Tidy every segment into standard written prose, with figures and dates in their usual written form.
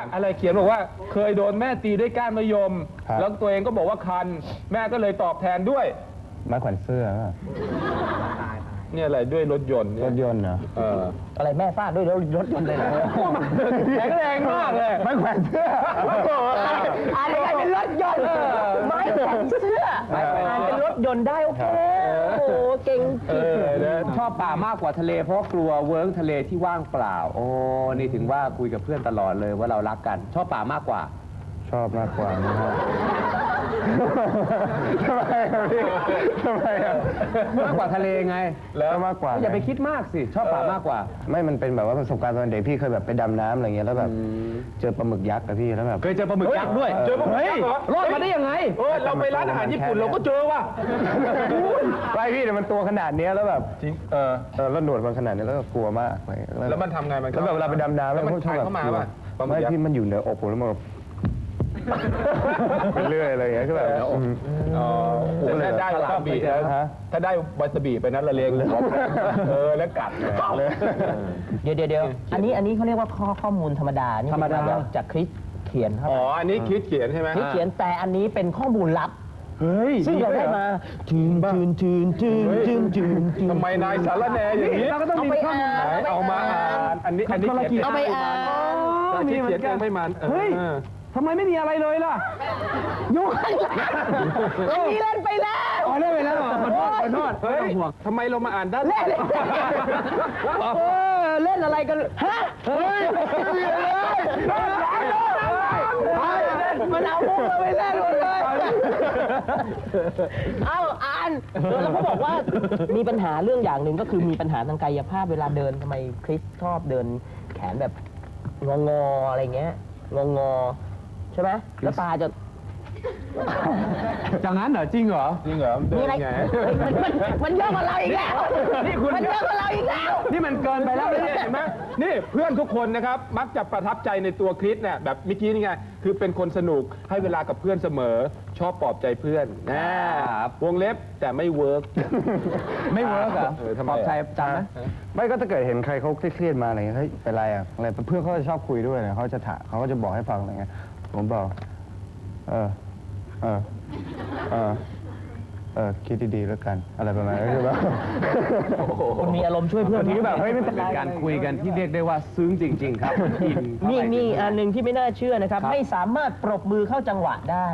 อะไรเขียนบอกว่าเคยโดนแม่ตีด้วยก้านมะยม แล้วตัวเองก็บอกว่าคันแม่ก็เลยตอบแทนด้วยไม้แขวนเสื้อเนี่ยอะไรด้วยรถยนต์รถยนต์เหรออะไรแม่ฟาดด้วยรถยนต์เลยเหรอแข็งแรงมากเลยไม้แขวนเสื้ออะไรเป็นรถยนต์ไม้แขวนเสื้อเป็นรถยนต์ได้โอเคโอ้เก่งชอบป่ามากกว่าทะเลเพราะกลัวเวิร์กทะเลที่ว่างเปล่าโอ้นี่ถึงว่าคุยกับเพื่อนตลอดเลยว่าเรารักกันชอบป่ามากกว่าชอบมากกว่านะฮะทำไมพี่ทำไมมากกว่าทะเลไงแล้วมากกว่าอย่าไปคิดมากสิชอบป่ามากกว่าไม่มันเป็นแบบว่าประสบการณ์ตอนเด็กพี่เคยแบบไปดำน้ำอะไรเงี้ยแล้วแบบเจอปลาหมึกยักษ์อะพี่แล้วแบบเคยเจอปลาหมึกยักษ์ด้วยเจอปลาหมึกยักษ์เหรอรอดมาได้ยังไงเราไปร้านอาหารญี่ปุ่นเราก็เจอว่ะไปพี่แต่มันตัวขนาดนี้แล้วแบบจริงแล้วหนวดมันขนาดนี้แล้วก็กลัวมากแล้วมันทำไงมันแล้วแบบเวลาไปดำน้ำแล้วมันถ่ายเข้ามาป่ะไม่พี่มันอยู่เหนืออกผมแล้วมันไปเรื่อยอะไรอย่างเงี้ยคือแบบถ้าได้วาซาบิถ้าได้วาซาบิไปนั้นละเลงเลยแล้วกัดเลยเดี๋ยวอันนี้เขาเรียกว่าข้อมูลธรรมดานี่ธรรมดาจากคริสเขียนครับอ๋ออันนี้คริสเขียนใช่ไหมคริสเขียนแต่อันนี้เป็นข้อมูลลับเฮ้ยซึ่งเราได้มาจืนทำไมนายสารแหน่อย่างนี้เราก็ต้องมีข้อมูลเอามาอ่านอันนี้เอาไปอ่านคริสเขียนเองไม่มันเฮ้ยทำไมไม่มีอะไรเลยล่ะอยู่ข้างหลังอันนี้เล่นไปแล้วเล่นไปแล้วขอโทษเฮ้ยทำไมเรามาอ่านด้านเล่นอะไรกันฮะเฮ้ยมันเอามุกเราไปเล่นหมดเลยเอาอ่านแล้วเขาบอกว่ามีปัญหาเรื่องอย่างหนึ่งก็คือมีปัญหาทางกายภาพเวลาเดินทำไมคริสชอบเดินแขนแบบงออะไรเงี้ยงอใช่ไหมแล้วตาจะจากนั้นเหรอจริงเหรอมีอะไรมันเยอะกว่าเราอีกแล้วมันเยอะกว่าเราอีกแล้วนี่มันเกินไปแล้วเห็นไหมนี่เพื่อนทุกคนนะครับมักจะประทับใจในตัวคริสเนี่ยแบบเมื่อกี้นี่ไงคือเป็นคนสนุกให้เวลากับเพื่อนเสมอชอบปลอบใจเพื่อนวงเล็บแต่ไม่เวิร์กไม่เวิร์กเหรอปลอบใจจำไหมไม่ก็ถ้าเกิดเห็นใครเขาเครียดมาอะไรเงี้ยเฮ้ยเป็นไรอะอะไรเพื่อนเขาจะชอบคุยด้วยเนี่ยเขาจะถามเขาก็จะบอกให้ฟังอะไรเงี้ยผมบอกคิดดีๆแล้วกันอะไรประมาณนี้คือว่าคุณมีอารมณ์ช่วยเพื่อนที่แบบเฮ้ยไม่เป็นการคุยกันที่เรียกได้ว่าซึ้งจริงๆครับมีอันหนึ่งที่ไม่น่าเชื่อนะครับไม่สามารถปรบมือเข้าจังหวะได้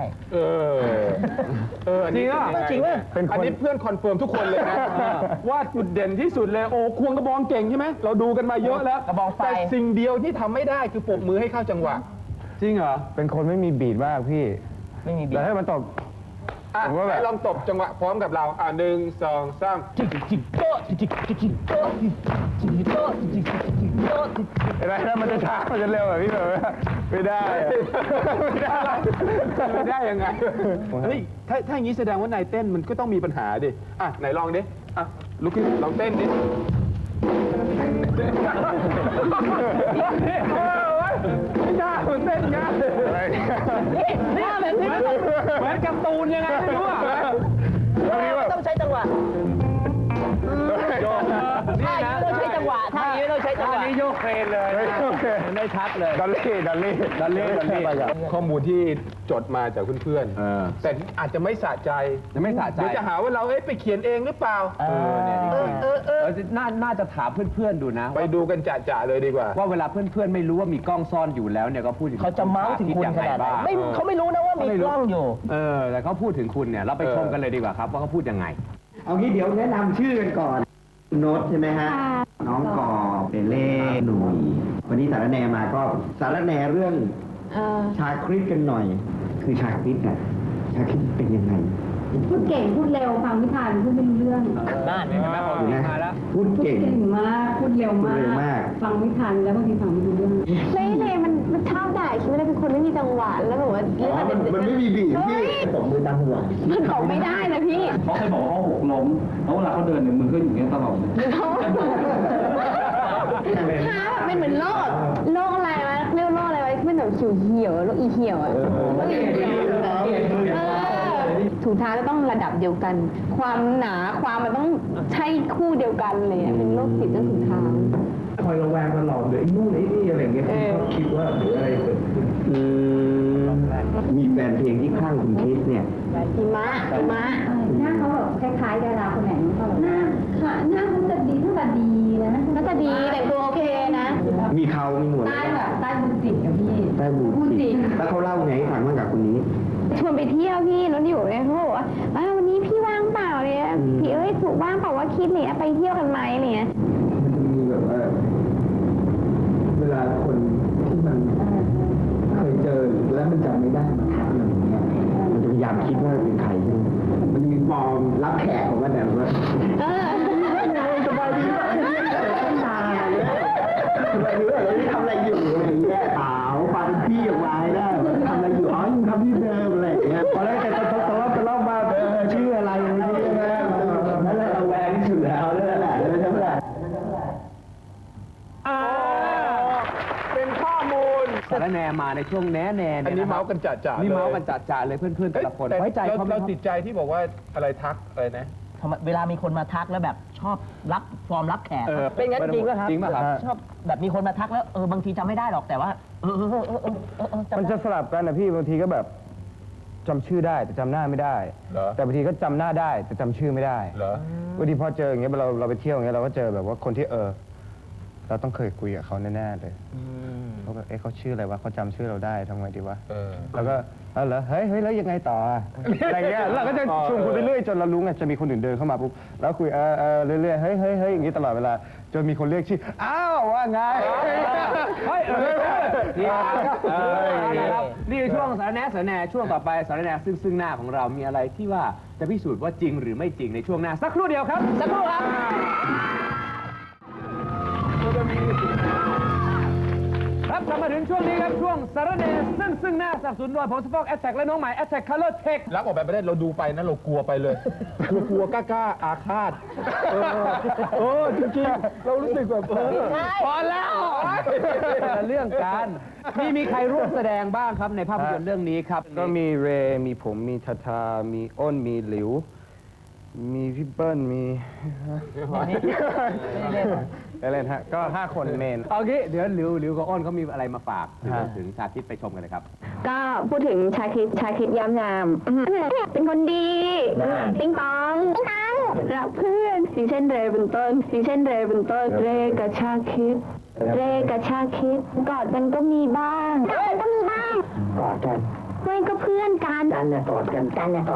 จริงอ่ะจริงอ่ะอันนี้เพื่อนคอนเฟิร์มทุกคนเลยนะว่าจุดเด่นที่สุดเลยโอ้ควงกระบองเก่งใช่ไหมเราดูกันมาเยอะแล้วกระบองไฟแต่สิ่งเดียวที่ทำไม่ได้คือปรบมือให้เข้าจังหวะจริงเหรอเป็นคนไม่มีบีทมากพี่ไม่มีบีทแล้วให้มันตบผมว่าแบบลองตบจังหวะพร้อมกับเรา1 2 3 เห็นไหมถ้ามันจะช้ามันจะเร็วแบบพี่แบบไม่ได้ยังไงเฮ้ยถ้าอย่างนี้แสดงว่านายเต้นมันก็ต้องมีปัญหาดิไหนลองดิลุกขึ้นลองเต้นดิไม่ได้เต้นไงนี่แบบนี้เหมือนการ์ตูนยังไงไม่รู้ต้องใช้จังหวะท่านี้ต้องใช้จังหวะท่านี้ต้องใช้จังหวะนี่โยกเครนเลยไม่ชัดเลยดัลลี่ข้อมูลที่จดมาจากเพื่อนๆแต่อาจจะไม่สะใจเดี๋ยวจะหาว่าเราไปเขียนเองหรือเปล่าน่าจะถามเพื่อนๆดูนะไปดูกันจ่าเลยดีกว่าว่าเวลาเพื่อนๆไม่รู้ว่ามีกล้องซ่อนอยู่แล้วเนี่ยก็พูดถึงเขาจะเมาส์ถึงคุณขนาดไหนเขาไม่รู้นะว่ามีกล้องอยู่แต่เขาพูดถึงคุณเนี่ยเราไปชมกันเลยดีกว่าครับว่าเขาพูดยังไงเอางี้เดี๋ยวแนะนำชื่อกันก่อนโน้ตใช่ไหมฮะน้องกอเปเล่หนุ่ยวันนี้สารแนมาก็สารแนเรื่องชาคริสกันหน่อยคือชาคริสอะชาคริสเป็นยังไงพูดเก่งพูดเร็วฟังไม่ทันพูดไม่รู้เรื่องบ้านแม่พอมาแล้วพูดเก่งมากพูดเร็วมากฟังไม่ทันแล้วบางทีฟังไม่รู้เรื่องเล่มันเท่าได้คิดว่าเป็นคนไม่มีจังหวะแล้วแบบว่ามันไม่มีบีทพี่ตบมือตามจังหวะมันตบไม่ได้นะพี่เขาเคยบอกเขาหกล้มแล้วเวลาเขาเดินเนี่ยมือก็อยู่อย่างนี้ตลอดเลยเป็นเหมือนโรคอะไรวะเรียกโรคอะไรวะเป็นแบบเหี่ยวโรคอีเหี่ยวอะถุงเท้าจะต้องระดับเดียวกันความหนาความมันต้องใช่คู่เดียวกันเลยเป็นโรคติดเรื่องถุงเท้าคอยระแวงตลอดเลยไอ้นู่นไอ้นี่อะไรเงี้ยเขาคิดว่าหรืออะไรเกิดขึ้นมะหน้าเขาแบบคล้ายๆดาราคนไหนไม่รู้หน้าค่ะหน้าเขาจะดีหน้าตาดีนะน่าจะดีแต่งตัวโอเคนะมีเขามีหนวดใต้แบบใต้บุญจิตกับพี่ใต้บูพูดจริงแล้วเขาเล่าไงให้ฟังบ้างกับคนนี้ชวนไปเที่ยวพี่รถอยู่เนี่ยเขาบอกว่าวันนี้พี่ว่างเปล่าเนี่ยพี่ถูกว่างเปล่าว่าคิดเนี่ยไปเที่ยวกันไหมเนี่ยมันจะมีแบบว่าเวลาคนที่มันเคยเจอแล้วมันจำไม่ได้มาทักอะไรอย่างเงี้ยมันจะพยายามคิดว่าเป็นใครใช่ไหมมันจะมีฟอร์มรับแขกของมันแบบว่าสบายดีป่ะตาเนี่ยสบายดีป่ะแล้วนี่ทำอะไรอยู่อะไรอย่างเงี้ยเปล่าฟังพี่ออกมาได้ทำอะไรอยู่อ๋อยังทำที่เดิมอะไรอย่างเงี้ยพอแล้วแต่ตะลบมาชื่ออะไรอย่างเงี้ยนั่นแหละระแวงที่สุดแล้วนั่นแหละใช่ไหมล่ะเป็นข้อมูลสารแนมาในช่วงแน่แน่อันนี้เมาส์กันจ่าๆนี่ลยเมาส์กันจ่าๆเลยเพื่อนๆแต่ละคนแต่ไว้ใจเขาไหมเราครับติดใจที่บอกว่าอะไรทักอะไรนะเวลามีคนมาทักแล้วแบบชอบรับฟอร์มรับแขกเออเป็นงั้นจริงป่ะครับจริงป่ะครับชอบแบบมีคนมาทักแล้วบางทีจำไม่ได้หรอกแต่ว่าจำมันได้จะสลับกันนะพี่บางทีก็แบบจำชื่อได้แต่จำหน้าไม่ได้เหรอแต่บางทีก็จำหน้าได้แต่จำชื่อไม่ได้เหรอบางทีพอเจออย่างเงี้ยเราไปเที่ยวอย่างเงี้ยเราก็เจอแบบว่าคนที่เราต้องเคยคุยกับเขาแน่ๆเลยเขาแบบเขาชื่ออะไรวะเขาจำชื่อเราได้ทำไงดีวะเออแล้วก็เหรอเฮ้ยแล้วยังไงต่ออะอะไรเงี้ยเราก็จะชวนคุยไปเรื่อยจนเรารู้ไงจะมีคนอื่นเดินเข้ามาปุ๊บแล้วคุยเรื่อยๆเฮ้ยอย่างงี้ตลอดเวลาจนมีคนเรียกชื่ออ้าวว่าไงนี่คือช่วงสารแหน่ช่วงต่อไปสารแหน่ซึ่งหน้าของเรามีอะไรที่ว่าจะพิสูจน์ว่าจริงหรือไม่จริงในช่วงหน้าสักครู่เดียวครับสักครู่ครับครับกลับมาถึงช่วงนี้ครับช่วงสารแหน่ซึ่งหน้าสนับสนุนโดยผมสปอกแอสแท็กและน้องใหม่แอสแท็กคัลเลอร์เทครับออกแบบไม่ได้เราดูไปนะเรากลัวไปเลยกลัวกล้าอาฆาตจริงๆเรารู้สึกแบบพอแล้วเรื่องการมีใครร่วมแสดงบ้างครับในภาพยนตร์เรื่องนี้ครับก็มีเรย์มีผมมีทาทามีอ้นมีหลิว มีพี่เปิ้ลมีเล่นฮะก็5 คนเมนเอางี้เดี๋ยวหลิวกับอ้นเขามีอะไรมาฝากถึงชาคิดไปชมกันเลยครับก็พูดถึงชาคิดย้ำยามเป็นคนดีติ๊งตองรักเพื่อนอย่างเช่นเรย์เป็นต้นเรย์กับชาคิดกอดกันก็มีบ้างกอดกันไม่ก็เพื่อนกันกอดกัน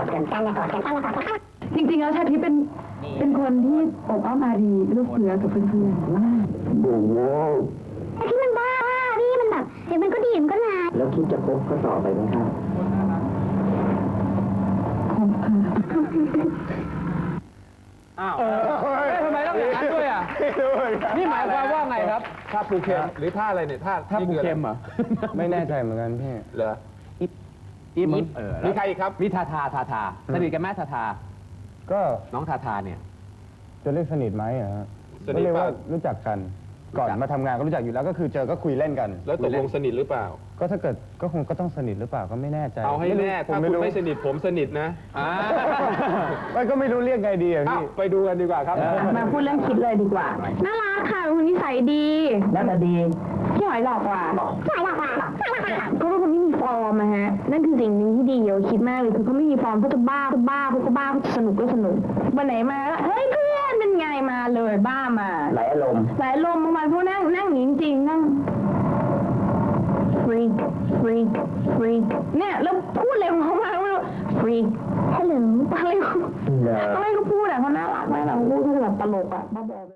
จริงๆแล้วชาคิดเป็นคนที่อบอ้อมอารีลูกเสือกับเพื่อนๆมากไอ้ที่มันบ้านี่มันแบบเดี๋ยวมันก็ดีมันก็ลาแล้วคิดจะคบก็ต่อไปไหมครับอ้าวทำไมต้องอย่างนั้นด้วยอ่ะนี่หมายความว่าไงครับท่าปูเข็มหรือท่าอะไรเนี่ยท่าถ้าปูเข็มเหรอไม่แน่ใจเหมือนกันพี่เหรออีฟมีใครอีกครับมีทาสนิทกันไหมทาก็น้องทาเนี่ยจะเรียกสนิทไหมอะฮะสนิทก็เรียกเปล่าว่ารู้จักกันก่อนมาทำงานก็รู้จักอยู่แล้วก็คือเจอก็คุยเล่นกันแล้วตกลงสนิทหรือเปล่าก็ถ้าเกิดก็คงก็ต้องสนิทหรือเปล่าก็ไม่แน่ใจเอาให้แน่ผถ้ามไม่คุณรู้ไม่สนิทผมสนิทนะไม่ก็ไม่รู้เรียกไงดีอะอ้าวพี่ไปดูกันดีกว่าครับมาพูดเรื่องคิดเลยดีกว่าน่ารักค่ะเป็นคนนิสัยดีน่าจะดีพี่หอยหลอกกว่าก็เป็นคนที่มีฟอร์มนะฮะนั่นคือสิ่งหนึ่งที่ดีเยอะคิดมากเลยคือเขาไม่มีฟอร์มเขาจะบ้าเขาก็บ้าสนุกก็สนุกวันไหนมาแล้วเฮ้ยเพื่อนเป็นไงมาเลยบ้ามาหลายอารมณ์บางวันพวกนั่งหนีจริงนั่งฟรีกเนี่ยแล้วพูดอะไรของเขามาไม่รู้ฟรีฮัลโหลอะไรเขาพูดอ่ะเขาน่ารักมากเขาพูดเขาแบบตลกอ่ะบ้าบอ